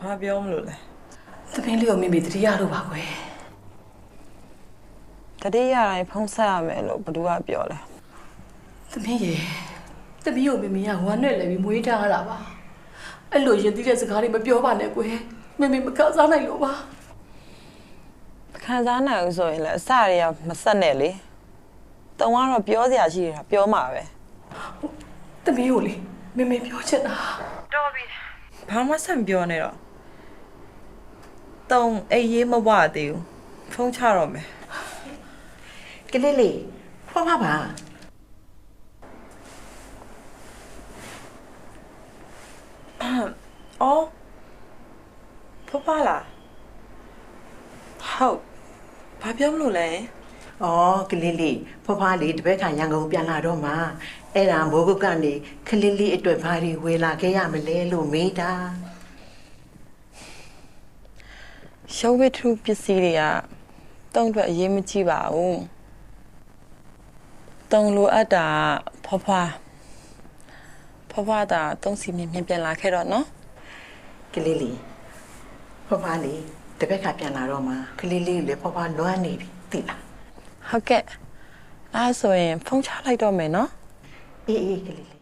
ဘာပြောမလို့လဲသမီးလေးကိုမိမိတတိယလို့ပါကွယ်တတိယတိုင်းဖုံးဆက်ရမယ်လို့ဘသူကပြောလဲသမီးရေသမီးကိုမိမိကဝမ်းနဲ့လည်းပြီးမွေးထားရတာပါအဲ့လိုရင်သီးတဲ့စကားတွေမပြောပါနဲ့ကွယ်မိမိမကစားနိုင်လို့ပါခံစားနိုင်လို့ဆိုရင်လည်းအစတွေကမဆက်နဲ့လေတုံကတော့ပြောစရာရှိတာပြောမှာပဲသမီးကိုလေမိမိပြောချင်တာတော်ပြီဘာမှဆက်မပြောနဲ့တော့တုံအေးရေးမဝသေးဘူးဖုံးချတော့မယ်ကလေးလေးဖွားပါအော်ဖလားဟုတ်ဘာပြောမလို့လဲဩကလေးလေးဖွားလေးတပည့်ခါရန်ကုန်ပြန်လာတော့မှအဲ့ဒါမိုးကုတ်ကနေကလေးလေးအတွက်ဘာတွေဝေလာခဲ့ရမလဲလို့မေးတာရှုံးဝိထုပစ္စည်းတွေကတုံးအတွက်အရေးမကြီးပါဘူးတုံးလိုအပ်တာဖွားတာတုံးစီမြင်ပြန်လာခဲ့တော့နော်ကလေးလေးဖွားလေးတပည့်ခါပြန်လာတော့မှကလေးလေးလည်းဖွားလွမ်းနေပြီသိလားဟုတ်ကဲ့အဲ့ဆိုရင်ဖုန်းချလိုက်တော့မယ်နော်အေးအေးကလေးလေး